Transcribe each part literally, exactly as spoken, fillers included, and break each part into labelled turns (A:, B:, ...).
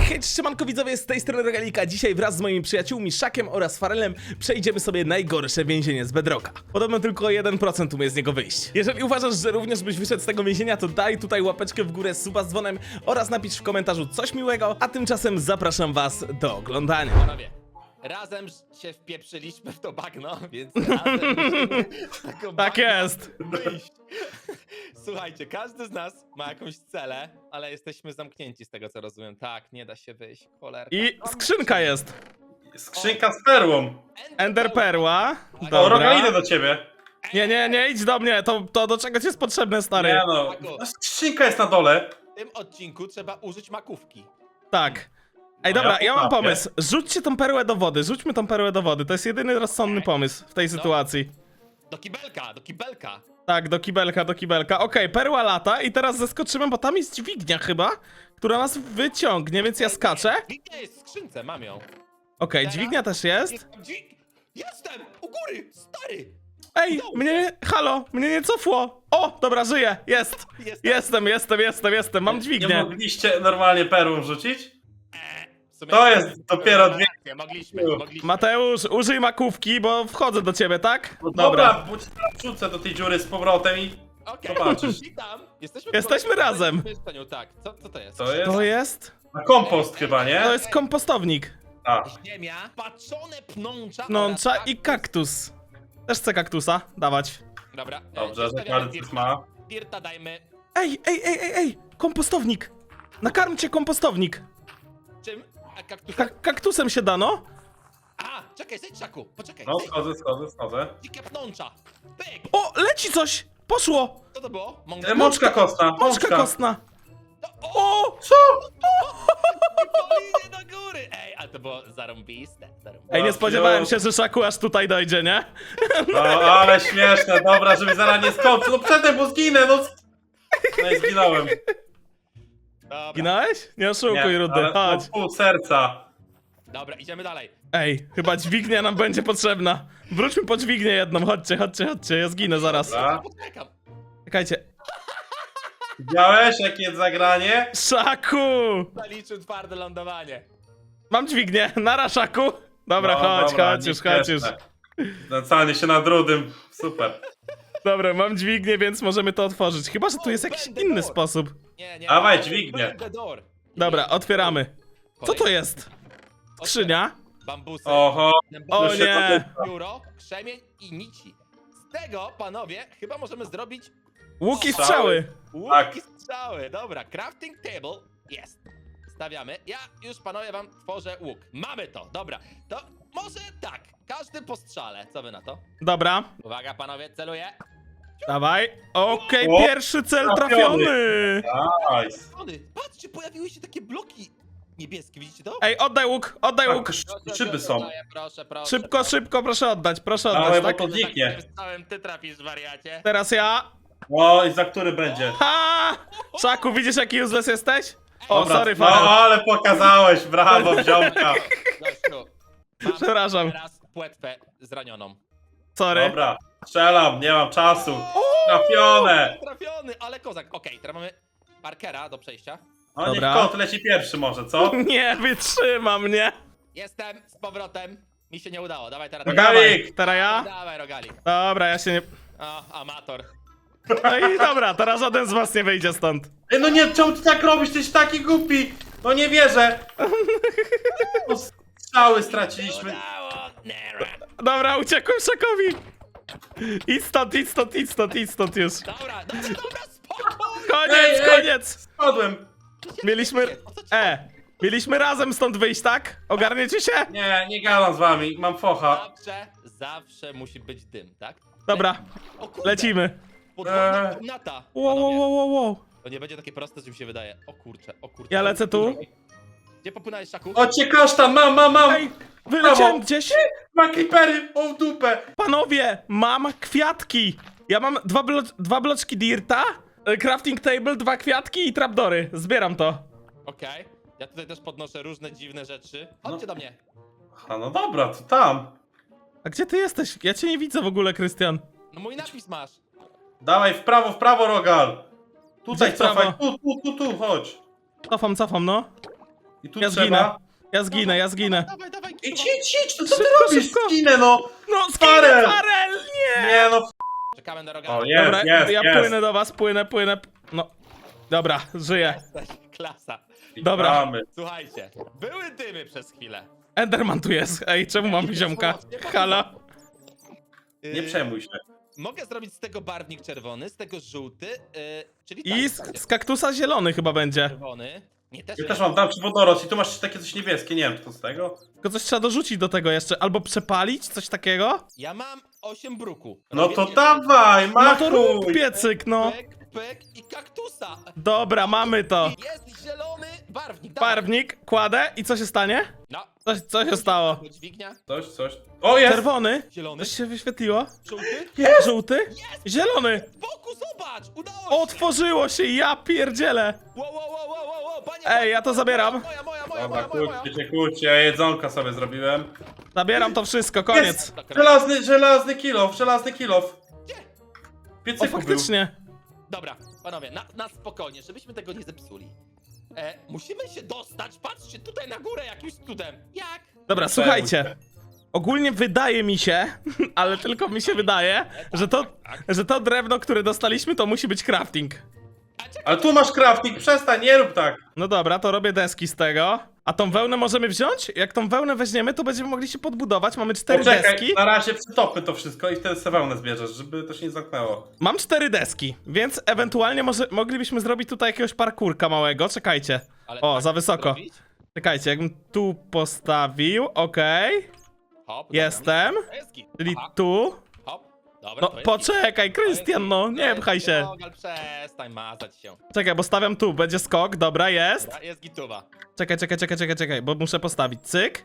A: Hej, siemanko widzowie, z tej strony Rogalika. Dzisiaj wraz z moimi przyjaciółmi Szakiem oraz Farelem przejdziemy sobie najgorsze więzienie z Bedrocka. Podobno tylko jeden procent umie z niego wyjść. Jeżeli uważasz, że również byś wyszedł z tego więzienia, to daj tutaj łapeczkę w górę, suba z dzwonem oraz napisz w komentarzu coś miłego, a tymczasem zapraszam was do oglądania.
B: Panowie, razem się wpieprzyliśmy w to bagno, więc razem musimy z tego
A: Tak
B: bagna
A: jest.
B: wyjść. Słuchajcie, każdy z nas ma jakąś celę, ale jesteśmy zamknięci z tego, co rozumiem. Tak, nie da się wyjść, cholerka.
A: I skrzynka jest.
C: Skrzynka z perłą.
A: Ender perła.
C: O,
A: Dobra.
C: Rogal, idę do ciebie.
A: Nie, nie, nie, idź do mnie, to, to do czego ci jest potrzebne, stary?
C: Nie no, no, skrzynka jest na dole.
B: W tym odcinku trzeba użyć makówki.
A: Tak. Ej,
C: No
A: dobra,
C: ja
A: ja mam
C: potrafię.
A: pomysł. Rzućcie tą perłę do wody, rzućmy tą perłę do wody. To jest jedyny rozsądny pomysł w tej sytuacji.
B: Do kibelka, do kibelka.
A: Tak, do kibelka, do kibelka. Okej, perła lata i teraz zeskoczymy, bo tam jest dźwignia chyba, która nas wyciągnie, więc ja skaczę.
B: Dźwignia jest w skrzynce, mam ją.
A: Okej, dźwignia też jest.
B: Jestem, dźwig... Jestem! U góry! Stary!
A: Ej, mnie, halo, mnie nie cofło. O, dobra, żyję, jest.
B: Jestem.
A: Jestem, jestem, jestem, jestem, mam
C: Nie
A: dźwignię.
C: mogliście normalnie perłą rzucić?
B: W sumie-
C: To jest dopiero dwie-
B: Mogliśmy, mogliśmy.
A: Mateusz, użyj makówki, bo wchodzę do ciebie, tak?
C: No dobra, bo ci teraz wrzucę do tej dziury z powrotem i
B: Okej,
C: zobaczysz.
B: witam. Jesteśmy,
A: Jesteśmy
B: w
A: razem.
B: mieszkaniu, tak. Co, co to jest?
C: To jest
A: To jest?
C: na kompost chyba, nie?
A: To jest kompostownik.
C: A,
B: Ziemia, patrzone pnącza
A: Pnącza
B: oraz
A: i kaktus. Też chcę kaktusa, dawać.
B: Dobra, e,
C: dobrze, że
B: zostawiamy
C: każdy
B: dirta.
C: ma.
B: Dirta dajmy.
A: Ej, ej, ej, ej, ej, kompostownik. Nakarmcie kompostownik.
B: Czym? A kaktus...
A: Ka kaktusem się dano?
B: A, czekaj, zejdź Szaku, poczekaj.
C: No,
B: zejdź.
C: schodzę, schodzę, schodzę.
B: Dzikie pnącza. Pyk!
A: O, leci coś! Poszło!
B: Co to było? Mąk...
C: E, Mączka kostna,
A: Mączka
C: mączka.
A: kostna.
B: O!
A: O!
C: Co?
B: Polinie do góry! Ej, ale to było zarąbiste. zarąbiste.
A: Ej, nie spodziewałem się, że Szaku aż tutaj dojdzie, nie?
C: No, ale śmieszne, dobra, żeby zaraz nie skończył. No przedtem, bo zginę, no. No i zginąłem.
B: Dobra,
A: Ginąłeś? Nie oszukuj, Rudy,
C: ale
A: chodź.
C: no, pół serca.
B: dobra, idziemy dalej.
A: Ej, chyba dźwignia nam będzie potrzebna. Wróćmy po dźwignię jedną, chodźcie, chodźcie, chodźcie, ja zginę zaraz.
C: Dobra.
B: Poczekam.
A: Czekajcie.
C: Widziałeś, jakie jest zagranie?
A: Szaku!
B: Zaliczył twarde lądowanie.
A: Mam dźwignię, nara, Szaku. Dobra,
C: No,
A: chodź,
C: dobra,
A: chodź już, chodź już.
C: nieśmieszne. Znęcanie się nad rudym. Super.
A: Dobra, mam dźwignię, więc możemy to otworzyć. Chyba, że tu jest jakiś
B: Będę
A: inny
B: door.
A: sposób.
B: Nie, nie.
C: Dawaj,
B: Open
C: dźwignię.
B: the door.
A: Dobra, otwieramy. Co to jest? Skrzynia?
B: Bambusy.
C: Oho.
A: O
C: już się
A: nie!
B: Biuro, krzemień i nici. Z tego, panowie, chyba możemy zrobić
A: Łuk i
C: Strzały.
A: strzały.
B: łuk
C: Tak.
B: i strzały. Dobra, crafting table jest. Stawiamy. Ja już, panowie, wam tworzę łuk. Mamy to, dobra. To może tak, każdy po strzale. Co wy na to?
A: Dobra,
B: Uwaga, panowie, celuję.
A: dawaj. Okej,
C: O,
A: pierwszy cel trafiony.
C: Nice.
B: Ony, patrzcie, pojawiły się takie bloki niebieskie, widzicie to?
A: Ej, oddaj łuk, oddaj
C: Tak,
A: łuk.
C: sz-
B: Proszę,
C: szyby
B: proszę,
C: są.
B: daję, Proszę, proszę.
A: Szybko,
B: proszę.
A: szybko, proszę oddać, proszę
C: Dawaj,
A: oddać,
C: bo
A: tak?
C: to zniknie.
B: Takim stałem ty trafisz, wariacie.
A: Teraz ja.
C: O, i za który będzie?
A: Ha! Szaku, widzisz jaki useless jesteś? O,
C: Dobra,
A: sorry,
C: no,
A: Farel.
C: ale pokazałeś, brawo, wziąłka.
B: Gościu, mam
A: Przepraszam.
B: teraz płetwę zranioną.
A: Sorry.
C: Dobra, strzelam, nie mam czasu. Trafione.
B: Trafiony, ale kozak. Okej, teraz mamy Parkera do przejścia.
C: No niech
A: Dobra.
C: kot leci pierwszy może, co?
A: Nie wytrzyma mnie.
B: Jestem z powrotem. Mi się nie udało, dawaj teraz.
C: Rogalik.
A: Teraz ja?
B: Dawaj, Rogalik.
A: Dobra, ja się nie...
B: O, amator.
A: No i dobra, teraz żaden z was nie wyjdzie stąd.
C: Ej, no nie, czemu ty tak robisz? Ty jesteś taki głupi. No nie wierzę. No, strzały straciliśmy.
B: Udało! Nera.
A: Dobra, uciekłem Szakowi. Idź stąd, idź stąd, idź stąd, idź stąd już.
B: Dobra, dobra, dobra, spokój!
A: Koniec,
C: Ej, ej.
A: koniec.
C: Spadłem.
A: Mieliśmy...
B: O co ci
A: E, mieliśmy razem stąd wyjść, tak? Ogarniecie się?
C: Nie, nie gadam z wami, mam focha.
B: Zawsze, zawsze musi być dym, tak?
A: Dobra,
B: O kurde,
A: lecimy.
B: podwójna
C: Eee.
B: komnata.
A: Wow, wow,
B: panowie.
A: wow, wow, wow.
B: To nie będzie takie proste, co mi się wydaje. O kurcze, o kurcze.
A: Ja lecę tu.
B: Gdzie popłynąłeś, Szaku?
C: O cię kasztan, mam, mam, mam.
A: Ej, wyleciałem
C: Brawo.
A: gdzieś.
C: Ma creepery, o w dupę.
A: Panowie, mam kwiatki. Ja mam dwa, blo dwa bloczki dirta, e, crafting table, dwa kwiatki i trapdory. Zbieram to.
B: Okej. Ja tutaj też podnoszę różne dziwne rzeczy. Chodźcie do mnie.
C: A no dobra, to tam.
A: A gdzie ty jesteś? Ja cię nie widzę w ogóle, Krystian.
B: No mój napis masz.
C: Dawaj w prawo, w prawo, Rogal. Tutaj
A: Gdzie w prawo?
C: cofaj, tu, tu, tu, tu, chodź.
A: Cofam, cofam, no.
C: I tu
A: Ja
C: trzeba...
A: zginę. Ja zginę, ja zginę.
B: Dawaj, dawaj,
C: Idź,
B: Kuba.
C: idź, idź, to co ty
A: Szybko,
C: robisz?
A: szybko.
C: Skinę, no!
A: No,
C: Farel!
A: skinę, Farel, nie!
C: Nie no,
B: Czekamy na
C: o
B: rogala.
C: jest,
A: Dobra,
C: jest,
A: ja
C: jest.
A: płynę do was, płynę, płynę. No, dobra, żyję.
B: Jesteś klasa.
A: Dobra.
C: Mamy.
B: Słuchajcie, były dymy przez chwilę.
A: Enderman tu jest. Ej, czemu mam ziomka? Halo?
B: Yy,
C: Nie przejmuj się.
B: Mogę zrobić z tego barwnik czerwony, z tego żółty, yy, czyli
A: I
B: tak,
A: z, z kaktusa zielony chyba będzie.
B: czerwony. Nie, też
C: Ja
B: nie.
C: też mam, dam ci wodorost i tu masz takie coś niebieskie, nie wiem, czy to z tego?
A: Tylko coś trzeba dorzucić do tego jeszcze. Albo przepalić, coś takiego?
B: Ja mam osiem bruku.
C: No
B: Robię
C: to
B: pięć.
C: dawaj,
A: No to rób
C: machuj!
A: piecyk, no.
B: Pyk, pyk i kaktusa.
A: Dobra, mamy to.
B: I jest zielony barwnik. dawaj.
A: Barwnik, kładę i co się stanie?
B: No.
A: Coś, co się stało?
B: Dźwignia.
C: Coś, coś. O, jest!
A: Czerwony?
B: Zielony.
A: Coś się wyświetliło?
B: Żółty.
A: Żółty? Zielony!
B: Z boku zobacz, udało się.
A: Otworzyło się, ja pierdzielę!
B: Wow, wow, wow, wow, wow, wow. Panie,
A: Ej, ja to zabieram.
B: Moja, moja, moja,
C: Dobra,
B: moja, moja,
C: kłóćcie się, kłóćcie, ja jedzonka sobie zrobiłem.
A: Zabieram to wszystko, koniec.
C: Jest! Żelazny, żelazny kilof, żelazny kilof.
B: Gdzie?
C: W
A: O,
C: piecyku był.
A: faktycznie.
B: Dobra, panowie, na, na spokojnie, żebyśmy tego nie zepsuli. E, musimy się dostać, patrzcie, tutaj na górę jakimś cudem. Jak?
A: Dobra, słuchajcie. Ogólnie wydaje mi się, ale tylko mi się wydaje, że to, że to drewno, które dostaliśmy, to musi być crafting.
B: A czekaj,
C: Ale tu masz crafting, przestań, nie rób tak.
A: No dobra, to robię deski z tego. A tą wełnę możemy wziąć? Jak tą wełnę weźmiemy, to będziemy mogli się podbudować. Mamy cztery
C: Poczekaj,
A: deski.
C: na razie przytopmy to wszystko i wtedy sobie wełnę zbierzesz, żeby to się nie zamknęło.
A: Mam cztery deski, więc ewentualnie może moglibyśmy zrobić tutaj jakiegoś parkurka małego. Czekajcie.
B: ale
A: O,
B: tak
A: za wysoko.
B: zrobić?
A: Czekajcie, jakbym tu postawił, okej.
B: Hop,
A: Jestem.
B: dobra, jest git.
A: Czyli
B: Aha,
A: tu.
B: hop, dobra,
A: No
B: to jest
A: poczekaj,
B: git. To jest
A: Krystian,
B: git,
A: no,
B: to
A: nie
B: jest
A: pchaj
B: git.
A: się.
B: Rogal, przestań mazać się.
A: Czekaj, bo stawiam tu, będzie skok, dobra, jest.
B: Dobra, jest gituwa.
A: Czekaj, czekaj, czekaj, czekaj, czekaj, bo muszę postawić, cyk.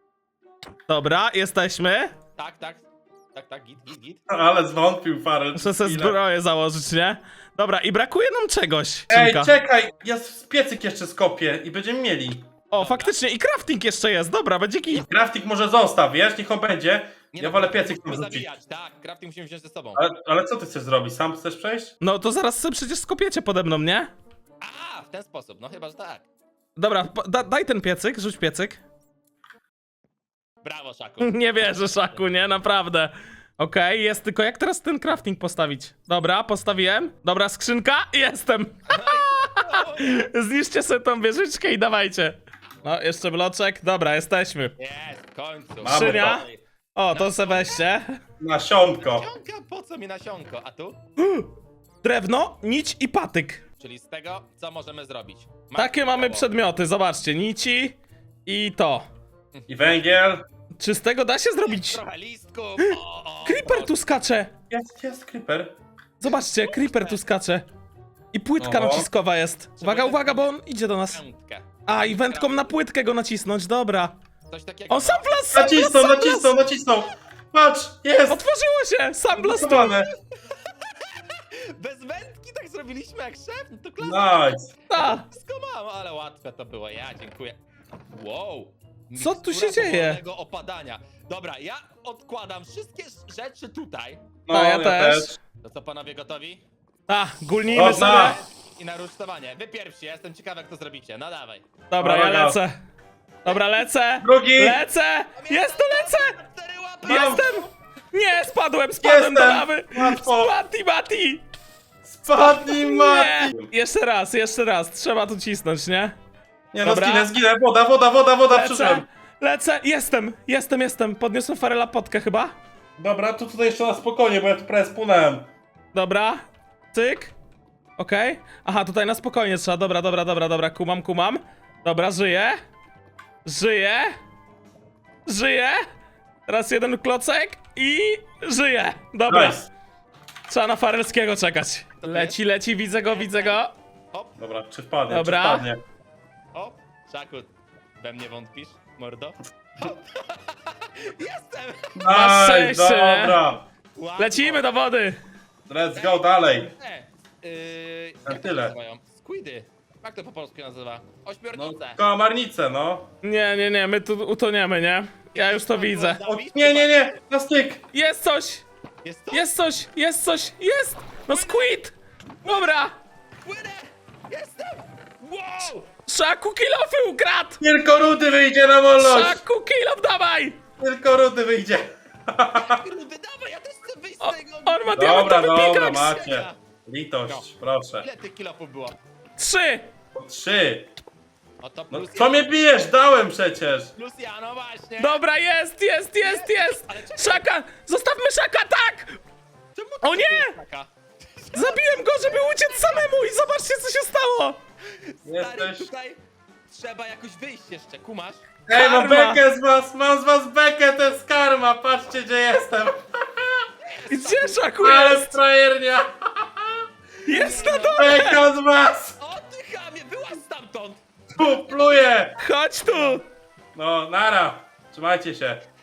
A: Dobra, jesteśmy.
B: Tak, tak, tak, tak, git, git, git.
C: Ale zwątpił Farel.
A: Muszę sobie
C: Chwilę.
A: zbroję założyć, nie? Dobra, i brakuje nam czegoś.
C: Ej,
A: Cinka.
C: czekaj, ja z piecyk jeszcze skopię i będziemy mieli.
A: O, faktycznie, i crafting jeszcze jest, dobra, będzie git.
C: Crafting może zostaw, wiesz, niech on będzie.
B: Nie
C: Ja
B: no,
C: wolę piecyk tam
B: musimy
C: rzucić.
B: zabijać, tak, crafting musimy wziąć ze sobą.
C: Ale, ale co ty chcesz zrobić? Sam chcesz przejść?
A: No to zaraz sobie przecież skopiecie pode mną, nie?
B: A, w ten sposób, no chyba, że tak.
A: Dobra, po- da, daj ten piecyk, rzuć piecyk.
B: Brawo, Szaku.
A: Nie wierzę, Szaku, nie? Naprawdę. Okej, jest tylko jak teraz ten crafting postawić? Dobra, postawiłem. Dobra, skrzynka, jestem. Zniszczcie sobie tą wieżyczkę i dawajcie. No, jeszcze bloczek. Dobra, jesteśmy.
B: Jest, w końcu.
C: Mamy
A: Skrzynia. O, to se weźcie.
C: Nasionko.
B: Nasionka, po co mi nasionko? A tu?
A: Drewno, nić i patyk.
B: Czyli z tego, co możemy zrobić?
A: Takie mamy
B: przed...
A: przedmioty, zobaczcie. Nici i to.
C: I węgiel.
A: Czy z tego da się zrobić?
B: Trochę listków. O, o,
A: Creeper tu skacze.
C: Jest, jest, creeper.
A: Zobaczcie, creeper tu skacze. I płytka
C: Oho.
A: naciskowa jest. Uwaga, uwaga, bo on idzie do nas.
B: Piątkę.
A: A, i wędką na płytkę go nacisnąć, dobra.
B: Coś takiego.
A: On sam wlazł, sam wlazł,
C: Nacisnął,
A: sam wlazł.
C: nacisnął, nacisnął. Patrz, jest.
A: Otworzyło się, sam wlazł tu.
C: Gotowane.
B: Bez wędki tak zrobiliśmy jak szef? No to klasa.
C: Nice.
A: Ta.
B: Wszystko mam, ale łatwe to było. Ja dziękuję. Wow.
A: Co tu się
B: Mikstura
A: dzieje?
B: powolnego opadania. Dobra, ja odkładam wszystkie rzeczy tutaj.
C: No,
A: Ta, ja też.
B: To co, panowie gotowi?
A: A, gulnijmy
C: O,
A: sobie.
C: tak.
B: I na rusztowanie. Wy pierwsi, ja jestem ciekawy jak to zrobicie. No dawaj.
A: Dobra, ja
C: Dobra.
A: lecę. Dobra, lecę.
C: Drugi.
A: Lecę. Jest, tu lecę.
B: Cztery łapy.
C: Mam.
A: Jestem. Nie, spadłem, spadłem
C: Jestem.
A: do lawy.
C: Łatwo.
A: Mati, Mati.
C: Spadnij,
A: Nie.
C: Mati.
A: Jeszcze raz, jeszcze raz. Trzeba tu cisnąć, nie?
C: Nie no,
A: Dobra.
C: zginę, zginę. Woda, woda, woda, woda,
A: Lecę.
C: przyszedłem.
A: Lecę. Jestem, jestem, jestem. Podniosłem Farela potkę chyba.
C: Dobra, tu tutaj jeszcze na spokojnie, bo ja tu prawie spłynąłem.
A: Dobra. Cyk. Okej. Aha, tutaj na spokojnie trzeba. Dobra, dobra, dobra, dobra. Kumam, kumam. Dobra, żyję. Żyję. Żyję. Teraz jeden klocek i żyję. Dobra.
C: Nice.
A: Trzeba na Farelskiego czekać. Leci, leci, widzę go, widzę go.
B: Hop,
C: Dobra, czy wpadnie,
A: Dobra.
C: czy wpadnie.
B: hop. Szaku, we mnie wątpisz, mordo? Hop. Jestem!
A: Masz
C: Nice,
A: szczęście, nie?
C: dobra.
B: Łatwo.
A: Lecimy do wody.
C: Let's go dalej.
B: E, yy,
C: Na
B: jak
C: tyle.
B: to nazywają? Squidy. Jak to po polsku nazywa?
C: No,
B: Ośmiornice.
C: kałamarnicę, no.
A: Nie, nie, nie, my tu utoniemy, nie? Ja już to widzę.
C: O, nie, nie, nie, na styk.
A: Jest coś!
B: Jest to?
A: Jest coś! Jest coś! Jest! No squid! Dobra!
B: Płynę! Jestem! Wow!
A: Szaku, kilofy ukradł!
C: Tylko rudy wyjdzie na wolność!
A: Szaku, kilof, dawaj!
C: Tylko rudy wyjdzie!
B: Rudy, dawaj, ja też chcę wyjść
A: O,
B: z tego.
A: on ma
C: Dobra,
A: diamentowy
C: dobra,
A: pikaks!
C: macie. Litość,
B: No.
C: proszę.
B: Ile tych kilofów było?
A: Trzy!
C: Trzy.
B: O to
C: No
B: plus
C: co
B: ja.
C: mnie bijesz? Dałem przecież!
B: Plus ja, no właśnie.
A: Dobra, jest, jest, jest, jest!
B: Ale czekaj.
A: Szaka! Zostawmy Szaka, tak!
B: Czemu
A: O
B: ty
A: nie!
B: jest taka?
A: Zabiłem go, żeby uciec samemu i zobaczcie, co się stało!
B: Stary,
C: Jesteś...
B: tutaj trzeba jakoś wyjść jeszcze, kumasz?
C: Ej, mam
A: Karma.
C: bekę z was! Mam z was bekę, to jest karma! Patrzcie, gdzie jestem!
A: Gdzie Szaku
C: Ale
A: jest?
C: frajernia!
A: Jest na dole!
C: Beka z was!
B: O ty chamie, byłaś stamtąd!
C: Tu pluję!
A: Chodź tu!
C: No, nara! Trzymajcie się.